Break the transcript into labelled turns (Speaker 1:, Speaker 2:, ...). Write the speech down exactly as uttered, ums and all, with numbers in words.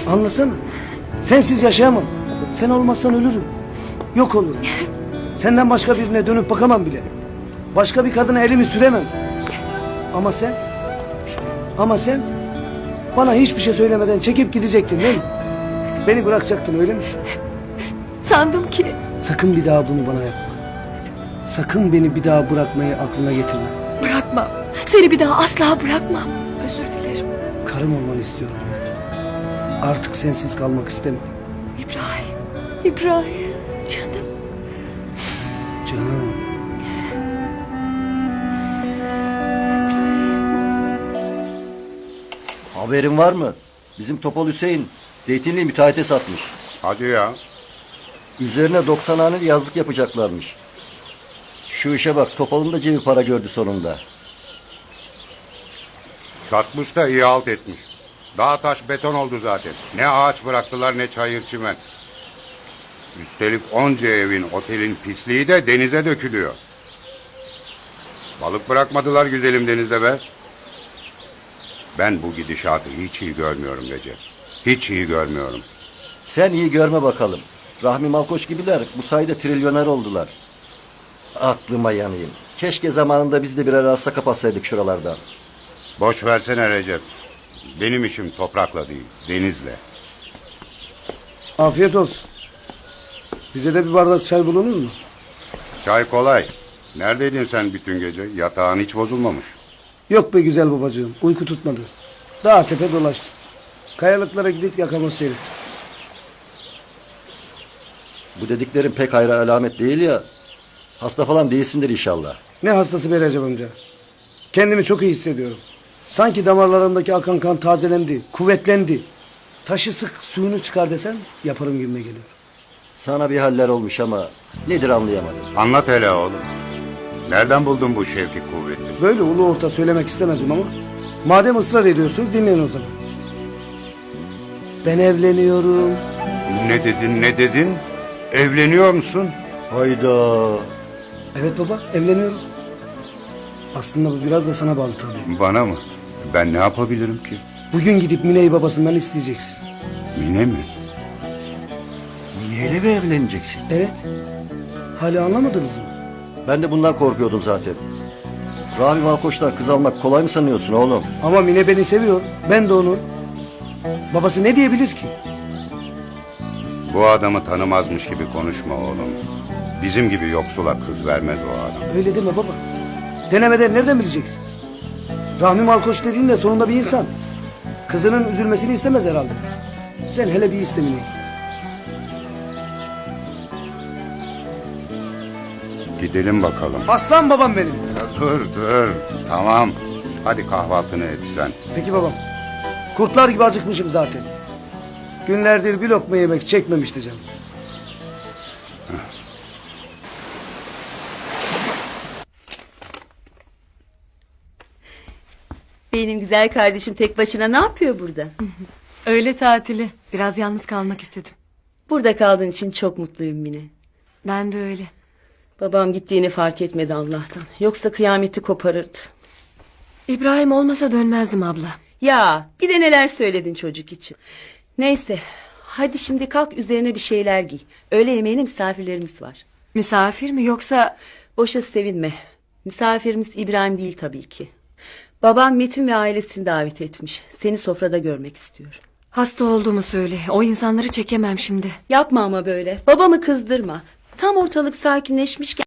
Speaker 1: Anlasana. Sensiz yaşayamam. Sen olmazsan ölürüm. Yok olurum. Senden başka birine dönüp bakamam bile. Başka bir kadına elimi süremem. Ama sen... Ama sen... Bana hiçbir şey söylemeden çekip gidecektin değil mi? Beni bırakacaktın öyle mi?
Speaker 2: Sandım ki...
Speaker 1: Sakın bir daha bunu bana yapma. Sakın beni bir daha bırakmayı aklına getirme.
Speaker 2: Bırakmam. Seni bir daha asla bırakmam. Özür dilerim.
Speaker 1: Karım olmanı istiyorum ben. Artık sensiz kalmak istemiyorum.
Speaker 2: İbrahim. İbrahim. Canım.
Speaker 1: Canım.
Speaker 3: Haberin var mı? Bizim Topal Hüseyin zeytinliği müteahhite satmış.
Speaker 4: Hadi ya.
Speaker 3: Üzerine doksan haneli yazlık yapacaklarmış. Şu işe bak, Topal'ın da cebi para gördü sonunda.
Speaker 4: Satmış da iyi halt etmiş. Dağ taş beton oldu zaten. Ne ağaç bıraktılar ne çayır çimen. Üstelik onca evin, otelin pisliği de denize dökülüyor. Balık bırakmadılar güzelim denizde be. Ben bu gidişatı hiç iyi görmüyorum Recep. Hiç iyi görmüyorum.
Speaker 3: Sen iyi görme bakalım. Rahmi Malkoç gibiler bu sayede trilyoner oldular. Aklıma yanayım. Keşke zamanında biz de birer arsa kapatsaydık şuralardan.
Speaker 4: Boş versene Recep. Benim işim toprakla değil, denizle.
Speaker 1: Afiyet olsun. Bize de bir bardak çay bulunur mu?
Speaker 4: Çay kolay. Neredeydin sen bütün gece? Yatağın hiç bozulmamış.
Speaker 1: Yok be güzel babacığım. Uyku tutmadı. Dağ tepe dolaştım. Kayalıklara gidip yakamoz seyrettim.
Speaker 3: Bu dediklerin pek hayra alamet değil ya. Hasta falan değilsindir inşallah.
Speaker 1: Ne hastası be Recep amca. Kendimi çok iyi hissediyorum. Sanki damarlarımdaki akan kan tazelendi, kuvvetlendi. Taşı sık suyunu çıkar desen yaparım gibime geliyor.
Speaker 3: Sana bir haller olmuş ama nedir anlayamadım.
Speaker 4: Anlat hele oğlum. Nereden buldun bu şevki kuvveti?
Speaker 1: Böyle ulu orta söylemek istemezdim ama madem ısrar ediyorsunuz dinleyin o zaman. Ben evleniyorum.
Speaker 4: Ne dedin ne dedin? Evleniyor musun?
Speaker 3: Hayda.
Speaker 1: Evet baba evleniyorum. Aslında bu biraz da sana bağlı tabii.
Speaker 4: Bana mı? Ben ne yapabilirim ki?
Speaker 1: Bugün gidip Mine'yi babasından isteyeceksin.
Speaker 4: Mine mi?
Speaker 3: Mine'yle mi evleneceksin?
Speaker 1: Evet. Hala anlamadınız mı?
Speaker 3: Ben de bundan korkuyordum zaten. Rahmi Malkoç'tan kız almak kolay mı sanıyorsun oğlum?
Speaker 1: Ama Mine beni seviyor. Ben de onu. Babası ne diyebilir ki?
Speaker 4: Bu adamı tanımazmış gibi konuşma oğlum. Bizim gibi yoksula kız vermez o adam.
Speaker 1: Öyle deme baba. Denemeden nereden bileceksin? Rahmi Malkoç dediğin de sonunda bir insan. Kızının üzülmesini istemez herhalde. Sen hele bir iste Mine'yi.
Speaker 4: Gidelim bakalım.
Speaker 1: Aslan babam benim.
Speaker 4: Ya dur dur. Tamam. Hadi kahvaltını et sen.
Speaker 1: Peki babam. Kurtlar gibi acıkmışım zaten. Günlerdir bir lokma yemek çekmemişti canım.
Speaker 5: Benim güzel kardeşim tek başına ne yapıyor burada?
Speaker 2: Öğle tatili. Biraz yalnız kalmak istedim.
Speaker 5: Burada kaldığın için çok mutluyum Mine.
Speaker 2: Ben de öyle.
Speaker 5: Babam gittiğini fark etmedi Allah'tan. Yoksa kıyameti koparırdı.
Speaker 2: İbrahim olmasa dönmezdim abla.
Speaker 5: Ya bir de neler söyledin çocuk için. Neyse hadi şimdi kalk üzerine bir şeyler giy. Öğle yemeğine misafirlerimiz var.
Speaker 2: Misafir mi yoksa...
Speaker 5: Boşa sevinme. Misafirimiz İbrahim değil tabii ki. Babam Metin ve ailesini davet etmiş. Seni sofrada görmek istiyor.
Speaker 2: Hasta olduğumu söyle. O insanları çekemem şimdi.
Speaker 5: Yapma ama böyle. Babamı kızdırma. Tam ortalık sakinleşmişken